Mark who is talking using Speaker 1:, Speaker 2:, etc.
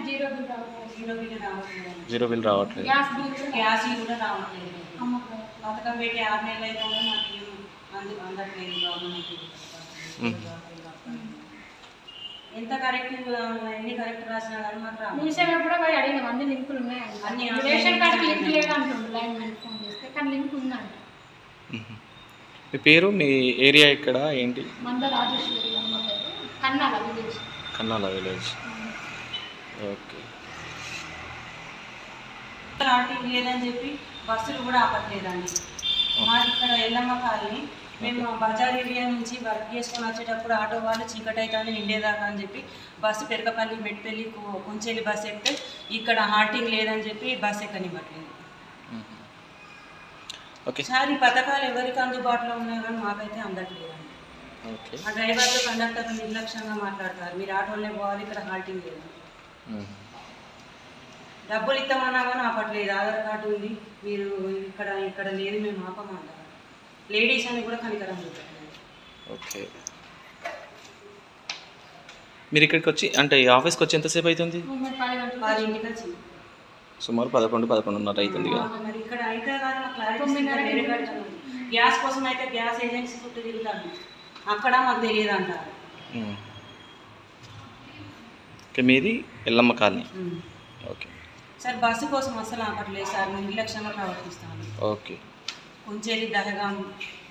Speaker 1: Zero bill రావట్లేదు.
Speaker 2: Gas కూడా రావట్లేదు. పథకం పెట్టి 6 నెలలు అయితే మాకు అందట్లేదు గవర్నమెంట్. ఎంత కరెక్ట్ ఎన్ని కరెక్ట్ రాసినా కానీ మాత్రం
Speaker 3: మీసేవ కూడా పోయి అడిగినాం, అన్ని లింకులు ఉన్నాయి. అన్ని రేషన్ కార్డుకి లింక్ లేదు అంటుండ్రు. లైన్ మ్యాన్ ఫోన్ చేస్తే కానీ లింక్ ఉందంట.
Speaker 1: మీ పేరు, మీ ఏరియా ఇక్కడ ఏంటి?
Speaker 3: మంద రాజేశ్వరి అమ్మ పేరు, Kannala village.
Speaker 1: Kannala village. Okay.
Speaker 2: Halting లేదని చెప్పి బస్సులు కూడా ఆపట్లేదండి. మాది ఇక్కడ ఎల్లమ్మ కాలనీ. మేము బజార్ ఏరియా నుంచి వర్క్ చేసుకొని వచ్చేటప్పుడు ఆటో వాళ్ళు చీకటి అవుతుంది నిండేదాకా అని చెప్పి బస్సు పెరకపల్లి మెట్పల్లి కొంచెల్లి బస్సు ఎక్కితే ఇక్కడ హార్టింగ్ లేదని చెప్పి బస్సు ఎక్కనివ్వట్లేదు. సార్ ఈ పథకాలు ఎవరికి అందుబాటులో ఉన్నాయి కానీ మాకైతే అందట్లేదండి. ఆ డ్రైవర్లు కండక్టర్లు నిర్లక్ష్యంగా మాట్లాడతారు, మీరు ఆటోలనే పోవాలి, ఇక్కడ హాల్టింగ్ లేదు. డబ్బులు ఇస్తామన్నా కానీ ఆపట్లేదు. ఆధార్ కార్డు ఉంది, మీరు ఇక్కడ లేదు, మేము ఆపమంటారు. లేడీస్ అని కూడా కనికరం చూపట్లేదు.
Speaker 1: ఓకే. మీరు ఇక్కడికి వచ్చి అంటే ఈ ఆఫీస్కి వచ్చి ఎంతసేపు అవుతుంది?
Speaker 2: 10 వచ్చింది.
Speaker 1: సుమారు 11-11:30 అవుతుంది కదా.
Speaker 2: మరి ఇక్కడ అయితే కానీ మాకు క్లారిటీ గ్యాస్ కోసం అయితే గ్యాస్ ఏజెన్సీ చుట్టూ తిరుగుతాను, అక్కడ మాకు తెలియదు అంటారు.
Speaker 1: ఓకే. మీది Yellamma colony. Okay
Speaker 2: sir. Bus కోసం అసలు ఆపట్లేదు సార్, మేము నిర్లక్ష్యంగా ప్రవర్తిస్తాను.
Speaker 1: ఓకే.
Speaker 2: కొంచెం దహగా